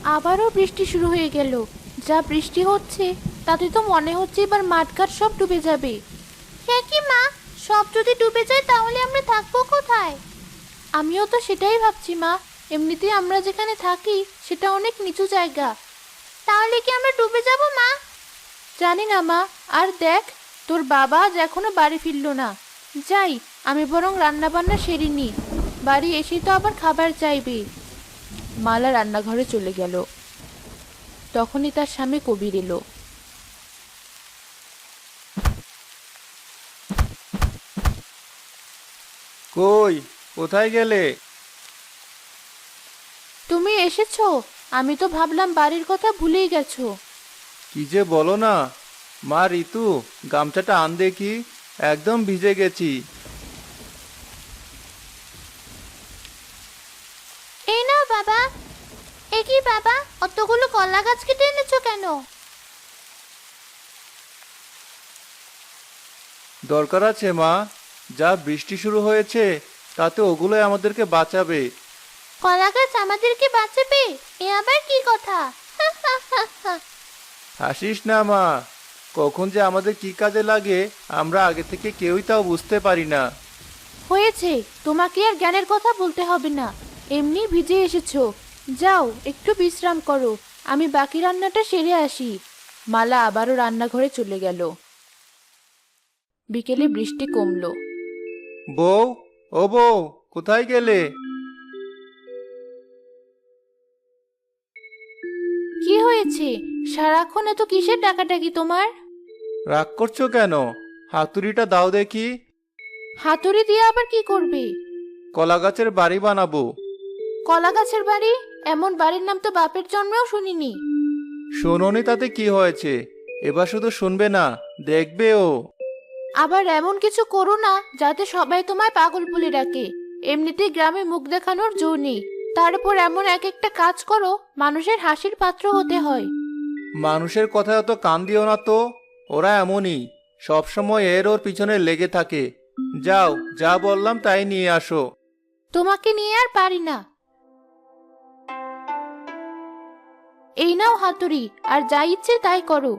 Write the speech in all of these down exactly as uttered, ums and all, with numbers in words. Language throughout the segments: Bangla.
আবারও বৃষ্টি শুরু হয়ে গেল। যা বৃষ্টি হচ্ছে তাতে তো মনে হচ্ছে এবার মাঠঘাট সব ডুবে যাবে। হ্যাঁ কি মা, সব যদি ডুবে যায় তাহলে আমরা থাকবো কোথায়? আমিও তো সেটাই ভাবছি মা। এমনিতেই আমরা যেখানে থাকি সেটা অনেক নিচু জায়গা। তাহলে কি আমরা ডুবে যাব মা? জানি না মা। আর দেখ, তোর বাবা আজ এখনো বাড়ি ফিরলো না। যাই, আমি বরং রান্না বান্না সেরে নি। বাড়ি এসে তো আবার খাবার চাইবে। মালা রান্নাঘরে চলে গেল। তখনই তার স্বামী কবির এলো। কই, কোথায় গেলে? তুমি এসেছো? আমি তো ভাবলাম বাড়ির কথা ভুলেই গেছো। কি যে বলো না। মা ঋতু, গামছাটা আন দেখি, একদম ভিজে গেছি। এই নাও বাবা। এ কি বাবা, অতগুলো কলা গাছ কেটে এনেছো কেন? দরকার আছে মা, যা বৃষ্টি শুরু হয়েছে তাতে ওগুলোই আমাদেরকে বাঁচাবে। কলা গাছ আমাদেরকে বাঁচাবে? এ আবার কি কথা? হাসিস না মা, কখন যে আমাদের কি কাজে লাগে আমরা আগে থেকে কেউই তাও বুঝতে পারি না। হয়েছে, তোমাকে আর জ্ঞানের কথা বলতে হবে না। এমনি ভিজে এসেছো। যাও একটু বিশ্রাম করো, আমি বাকি রান্নাটা সেরে আসি। মালা আবারও রান্নাঘরে চলে গেল। বিকেলে বৃষ্টি কমলো। বউ, ও বউ, কোথায় গেলে? কি হয়েছে? সারাক্ষণ এত কিসের ডাকাডাকি তোমার? রাগ করছো কেন? হাতুড়িটা দাও দেখি। হাতুড়ি দিয়ে আবার কি করবে? কলা গাছের বাড়ি বানাবো। কলা গাছের বাড়ি? এমন বাড়ির নাম তো বাপের জন্মেও শুনিনি। শোনোনি তাতে কি হয়েছে? এবার শুধু শুনবে না, দেখবেও। আবার এমন কিছু করো না যাতে সবাই তোমায় পাগল বলে ডাকে। এমনিতেই গ্রামে মুখ দেখানোর জো নেই, তার উপর এমন এক একটা কাজ করো মানুষের হাসির পাত্র হতে হয়। মানুষের কথা অত কান দিও না তো, ওরা এমনই, সবসময় এর ওর পিছনে লেগে থাকে। যাও, যা বললাম তাই নিয়ে আসো। তোমাকে নিয়ে আর পারি না। এই নাও হাতুড়ি, আর যা ইচ্ছে তাই করো।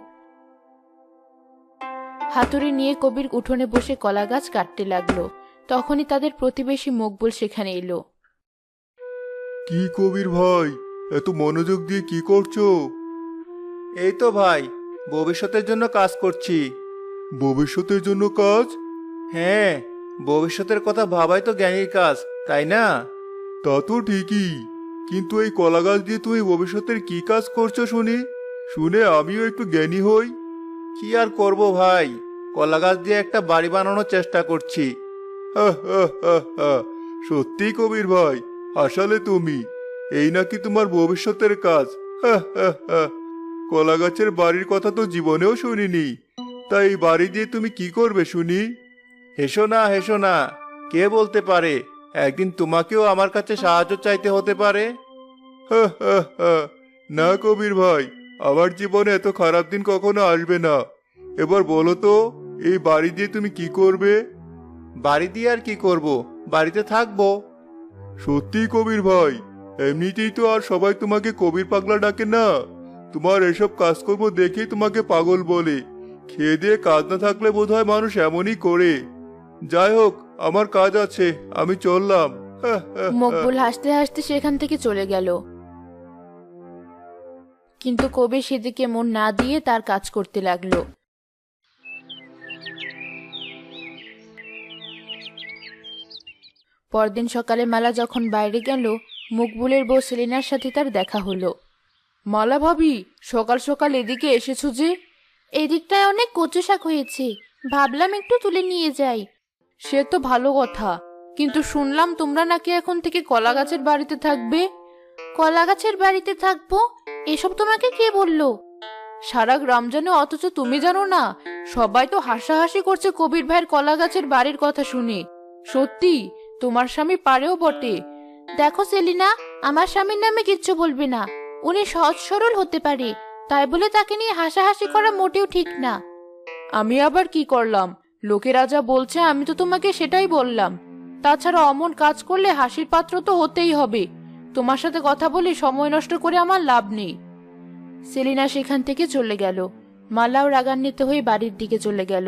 হাতুড়ি নিয়ে কবির উঠোনে বসে কলা গাছ কাটতে লাগলো। তখনই তাদের প্রতিবেশী মকবুল সেখানে এলো। কি কবির ভাই, এত মনোযোগ দিয়ে কি করছো? এই তো ভাই, ভবিষ্যতের জন্য কাজ করছি। ভবিষ্যতের জন্য কাজ? হ্যাঁ, ভবিষ্যতের কথা ভাবাই তো জ্ঞানীর কাজ, তাই না? তা তো ঠিকই, কিন্তু এই কলা গাছ দিয়ে তুমি ভবিষ্যতের কি কাজ করছো শুনি, শুনে আমিও একটু জ্ঞানী হই। কি আর করব ভাই, কলা গাছ দিয়ে একটা বাড়ি বানানোর চেষ্টা করছি। হা, হা, হা, হা। সত্যি কবির ভাই, আসলে তুমি, এই নাকি তোমার ভবিষ্যতের কাজ? হা, হা, হা। কলা গাছের বাড়ির কথা তো জীবনেও শুনিনি, তাই এই বাড়ি দিয়ে তুমি কি করবে শুনি? হেসো না, হেসো না, কে বলতে পারে একদিন তোমাকেও আমার কাছে সাহায্য চাইতে হতে পারে। হা, হা, হা। না কবির ভাই, আমার জীবনে এত খারাপ দিন কখনো আসবে না। এবার বলো তো, এই বাড়ি দিয়ে তুমি কি করবে? বাড়ি দিয়ে আর কি করব, বাড়িতে থাকবো। সত্যি কবির ভাই, এমনিতেই তো আর সবাই তোমাকে কবির পাগলা ডাকে না। তোমার এসব কাজকর্ম দেখেই তোমাকে পাগল বলে। খেয়ে দিয়ে কাজ না থাকলে বোধহয় মানুষ এমনই করে। যাই হোক, আমার কাজ আছে, আমি চললাম। হা, হা, হা। মকবুল হাসতে হাসতে সেখান থেকে চলে গেল। কিন্তু কবির সেদিকে মন না দিয়ে তার কাজ করতে লাগলো। পরদিন সকালে মালা যখন বাইরে গেল, মকবুলের বউ সেলিনার সাথে তার দেখা হলো। মালা ভাবি, সকাল সকাল এদিকে এসেছো যে? এদিকটায় অনেক কচু শাক হয়েছে, ভাবলাম একটু তুলে নিয়ে যাই। সে তো ভালো কথা, কিন্তু শুনলাম তোমরা নাকি এখন থেকে কলা গাছের বাড়িতে থাকবে। কলা গাছের বাড়িতে থাকবো? এসব তোমাকে কে বললো? সারা গ্রাম জানে অথচ তুমি জানো না? সবাই তো হাসাহাসি করছে কবির ভাইয়ের কলা গাছের বাড়ির কথা শুনে। সত্যি, তোমার স্বামী পারেও বটে। দেখো সেলিনা, আমার স্বামীর নামে কিচ্ছু বলবে না। উনি সহজ সরল হতে পারে, তাই বলে তাকে নিয়ে হাসাহাসি করা মোটেও ঠিক না। আমি আবার কি করলাম? লোকেরা যা বলছে আমি তো তোমাকে সেটাই বললাম। তাছাড়া অমন কাজ করলে হাসির পাত্র তো হতেই হবে। তোমার সাথে কথা বলে সময় নষ্ট করে আমার লাভ নেই। সেলিনা সেখান থেকে চলে গেল। মালাও রাগান্বিত হয়ে বাড়ির দিকে চলে গেল।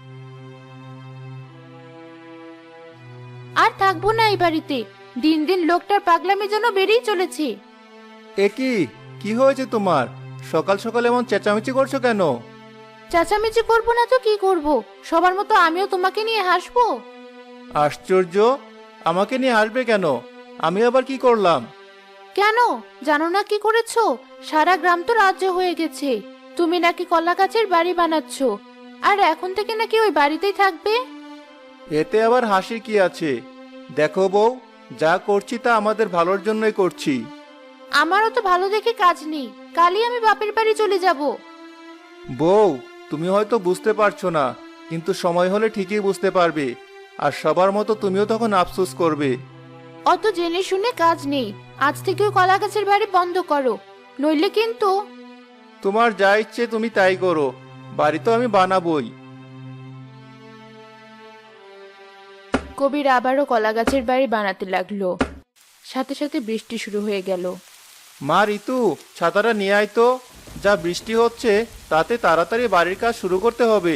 আর থাকবো না এই বাড়িতে। দিন দিন লোকটার পাগলামি যেন বেড়েই চলেছে। এ কি কি হয়েছে তোমার? সকাল সকাল এমন চেঁচামেচি করছো কেন? চেঁচামেচি করবো না তো কি করব? সবার মতো আমিও তোমাকে নিয়ে হাসবো? আশ্চর্য, আমাকে নিয়ে হাসবে কেন? আমি আবার কি করলাম? কেন জানো না কি করেছো? সারা গ্রাম তো রাজ্য হয়ে গেছে। তুমি নাকি কলা গাছের বাড়ি বানাচ্ছ, আর এখন থেকে নাকি ওই বাড়িতেই থাকবে। এতে আবার হাসির কি আছে? দেখো বউ, যা করছি তা আমাদের ভালোর জন্যই করছি। আমারও তো ভালো দেখে কাজ নেই, কালই আমি বাপের বাড়ি চলে যাব। বউ, তুমি হয়তো বুঝতে পারছো না, কিন্তু সময় হলে ঠিকই বুঝতে পারবে। আর সবার মতো তুমিও তখন আফসোস করবে। অত জেনে শুনে কাজ নেই। আজ থেকে ওই কলা গাছের বাড়ি বন্ধ করো, নইলে কিন্তু। তোমার যা ইচ্ছে তুমি তাই করো, বাড়ি তো আমি বানাবই। কবির আবারও কলা গাছের বাড়ি বানাতে লাগলো। সাথে সাথে বৃষ্টি শুরু হয়ে গেল। মা ঋতু, ছাতাটা নিয়ে আয় তো। যা বৃষ্টি হচ্ছে তাতে তাড়াতাড়ি বাড়ির কাজ শুরু করতে হবে।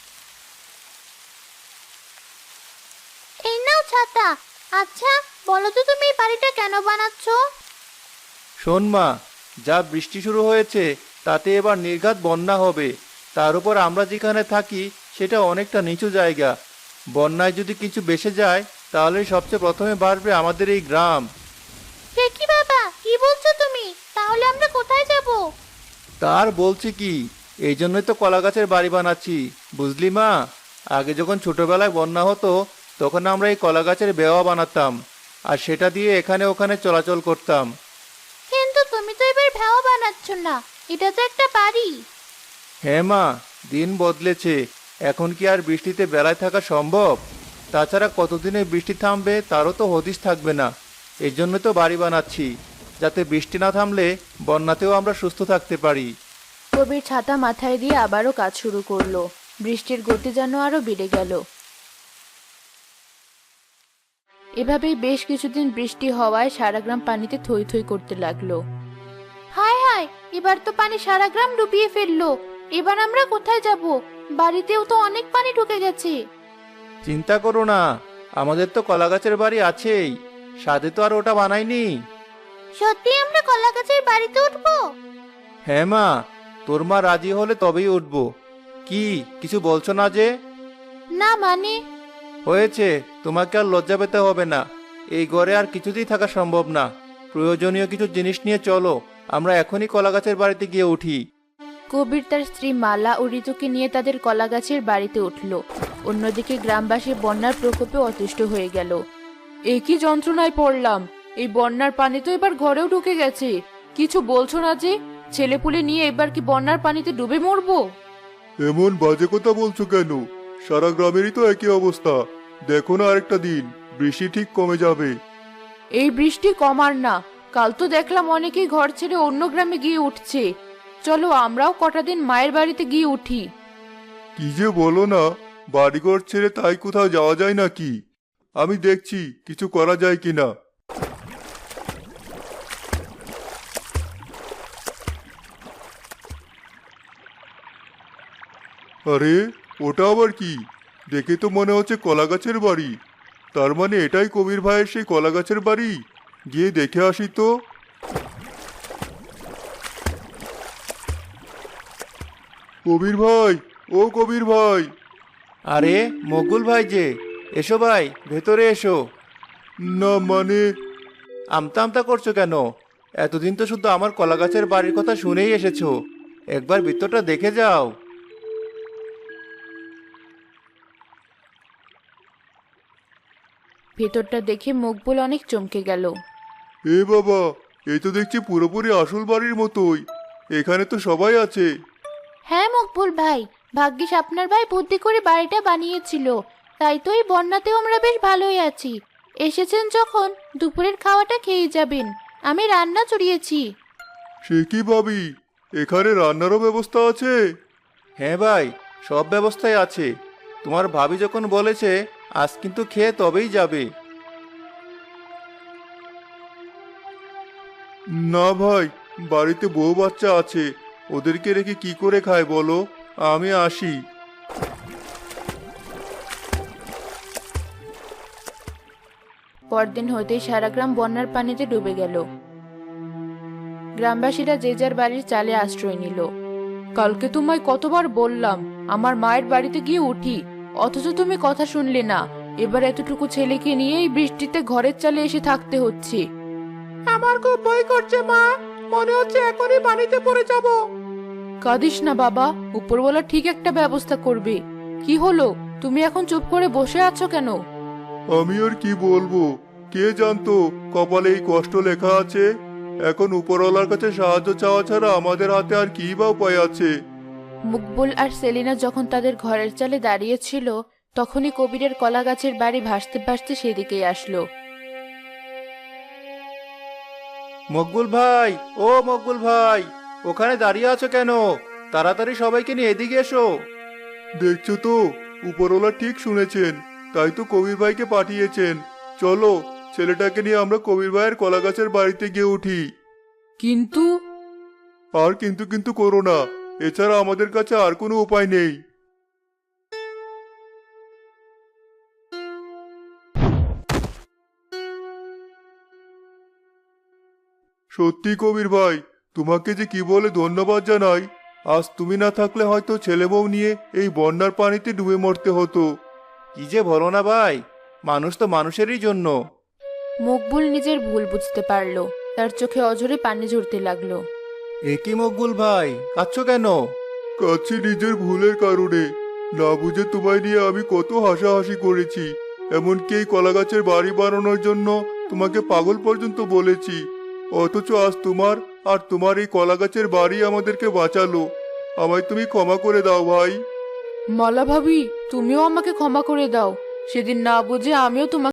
এই নাও ছাতা। আচ্ছা বলো তো, তুমি এই বাড়িটা কেন বানাচ্ছ? শোন মা, যা বৃষ্টি শুরু হয়েছে তাতে এবার নির্ঘাত বন্যা হবে। তার উপর আমরা যেখানে থাকি সেটা অনেকটা নিচু জায়গা। বন্যায় যদি কিছু বেসে যায় তাহলে সবচেয়ে প্রথমে বাড়বে আমাদের এই গ্রাম। সে কি বাবা, কি বলছো তুমি? তাহলে আমরা কোথায় যাব? তার বলছি কি, এই জন্যই তো কলা গাছের বাড়ি বানাচ্ছি, বুঝলি মা? আগে যখন ছোটবেলায় বন্যা হতো তখন আমরা এই কলা গাছের বেওয়া বানাতাম, আর সেটা দিয়ে এখানে ওখানে চলাচল করতাম। কিন্তু তুমি তো এবার ভেওয়া বানাচ্ছ না, এটা তো একটা বাড়ি। হ্যাঁ মা, দিন বদলেছে। এখন কি আর বৃষ্টিতে বেলায় থাকা সম্ভব? তাছাড়া কতদিনে বৃষ্টি থামবে তারও তো হদিশ থাকবে না। এই জন্য তো বাড়ি বানাচ্ছি, যাতে বৃষ্টি না থামলে বন্যাতেও আমরা সুস্থ থাকতে পারি। কবির ছাতা মাথায় দিয়ে আবারও কাজ শুরু করলো। বৃষ্টির গতি যেন আরো বেড়ে গেল। এভাবেই বেশ কিছুদিন বৃষ্টি হওয়ায় সারা গ্রাম পানিতে থই থই করতে লাগলো। হায় হায়, এবার তো পানি সারা গ্রাম ডুবিয়ে ফেললো। এবার আমরা কোথায় যাব? বাড়িতেও তো অনেক পানি ঢুকে গেছে। চিন্তা করো না, আমাদের তো কলা গাছের বাড়ি আছেই, সাথে তো আর ওটা বানাইনি। সত্যি আমরা কলা গাছের বাড়িতে উঠবো? হ্যাঁ মা, তোর মা রাজি হলে তবেই উঠবো। কি কিছু বলছো না যে? না মানে? হয়েছে, তোমাকে আর লজ্জা পেতে হবে না। এই ঘরে আর কিছুতেই থাকা সম্ভব না। প্রয়োজনীয় কিছু জিনিস নিয়ে চলো, আমরা এখনই কলা গাছের বাড়িতে গিয়ে উঠি। কবির তার স্ত্রী মালা ও ঋতুকে নিয়ে তাদের কলা গাছের বাড়িতে উঠল। অন্যদিকে গ্রামবাসী বন্যার প্রকোপে অতিষ্ঠ হয়ে গেল। এ কি যন্ত্রণায় পড়লাম! এই বন্যার পানি তো এবার ঘরেও ঢুকে গেছে। কিছু বলছো না যে? ছেলেপুলে নিয়ে এবার কি বন্যার পানিতে ডুবে মরবো? এমন বাজে কথা বলছো কেন? সারা গ্রামেরই তো একই অবস্থা। দেখো না, আরেকটা দিন বৃষ্টি ঠিক কমে যাবে। এই বৃষ্টি কমার না। কাল তো দেখলাম অনেকেই ঘর ছেড়ে অন্য গ্রামে গিয়ে উঠছে। চলো আমরাও কটা দিন মায়ের বাড়িতে গিয়ে উঠি। কি যে বলো না, বাড়িঘর ছেড়ে তাই কোথাও যাওয়া যায় নাকি? আমি দেখছি কিছু করা যায় কিনা। আরে, ওটা আবার কি? দেখে তো মনে হচ্ছে কলা গাছের বাড়ি। তার মানে এটাই কবির ভাইয়ের সেই কলা গাছের বাড়ি। গিয়ে দেখে আসি তো। কবির ভাই, ও কবির ভাই! আরে মকুল ভাই যে, এসো ভাই, ভেতরে এসো। না মানে? আমতা আমতা করছো কেন? এতদিন তো শুধু আমার কলা গাছের বাড়ির কথা শুনেই এসেছো, একবার ভিতরটা দেখে যাও। ভেতরটা দেখে মকবুল অনেক চমকে গেল। এ বাবা, এই তো দেখছি পুরোপুরি আসল বাড়ির মতোই। এখানে তো সবাই আছে। হ্যাঁ মকবুল ভাই, ভাগ্যিস আপনার ভাই বুদ্ধি করে বাড়িটা বানিয়েছিল। তাই তো এই বন্যাতেও আমরা বেশ ভালোই আছি। এসেছেন যখন দুপুরের খাওয়াটা খেয়ে যাবেন। আমি রান্না চড়িয়েছি। সে কি ভাবি, এখানে রান্নারও ব্যবস্থা আছে? হ্যাঁ ভাই, সব ব্যবস্থাই আছে। তোমার ভাবি যখন বলেছে আজ কিন্তু খেয়ে তবেই যাবে। না ভাই, বাড়িতে বউ বাচ্চা আছে, ওদেরকে রেখে কি করে খায় বলো? আমি আসি। পরদিন হতেই সারা গ্রাম বন্যার পানিতে ডুবে গেল। গ্রামবাসীরা যে যার বাড়ির চালে আশ্রয় নিল। কালকে তোমায় কতবার বললাম আমার মায়ের বাড়িতে গিয়ে উঠি, অথচ তুমি কথা শুনলে না। এবার এতটুকু ছেলেকে নিয়েই বৃষ্টিতে ঘরের চালে এসে থাকতে হচ্ছে। আমার খুব ভয় করছে মা, মনে হচ্ছে এখনই পানিতে পড়ে যাব। কাঁদিস না বাবা, উপরওয়ালা ঠিক একটা ব্যবস্থা করবে। কি হলো, তুমি এখন চুপ করে বসে আছো কেন? আমি আর কি বলবো, কে জানতো কপালে এই কষ্ট লেখা আছে। এখন উপরওয়ালার কাছে সাহায্য চাওয়া ছাড়া আমাদের হাতে আর কি বা উপায় আছে। মুকবুল আর সেলিনা যখন তাদের ঘরের চালে দাঁড়িয়েছিল, তখনই কবিরের কলা গাছের বাড়ি ভাসতে ভাসতে সেদিকেই আসলো। মকবুল ভাই, ও মকবুল ভাই, ওখানে দাঁড়িয়ে আছো কেন? তাড়াতাড়ি সবাইকে নিয়ে এদিকে এসো। দেখছো তো, উপরওয়ালা ঠিক শুনেছেন, তাই তো কবির ভাইকে পাঠিয়েছেন। চলো, ছেলেটাকে নিয়ে আমরা কবির ভাইয়ের কলা গাছের বাড়িতে গিয়ে উঠি। কিন্তু আর কিন্তু কিন্তু করো না, এছাড়া আমাদের কাছে আর কোনো উপায় নেই। সত্যি কবির ভাই, তোমাকে যে কি বলে ধন্যবাদ জানাই। আজ তুমি না থাকলে হয়তো ছেলে বউ নিয়ে এই বন্যার পানিতে ডুবে মরতে হতো। কি যে বলো না ভাই, মানুষ তো মানুষেরই জন্য। মকবুল নিজের ভুল বুঝতে পারলো, তার চোখে অঝরে পানি ঝরতে লাগলো। এ কি মকবুল ভাই, কাঁদছো কেন? কাছে নিজের ভুলের কারণে, না বুঝে তোমায় নিয়ে আমি কত হাসাহাসি করেছি। এমনকি এই কলা গাছের বাড়ি বানানোর জন্য তোমাকে পাগল পর্যন্ত বলেছি। অথচ আজ তোমার আর তোমার এই কলা গাছের বাড়ি আমাদেরকে বাঁচালো। আমায় তুমি ক্ষমা করে দাও ভাই। মালা ভাবি, তুমিও আমাকে ক্ষমা করে দাও। সেদিন না বুঝে আমিও তোমাকে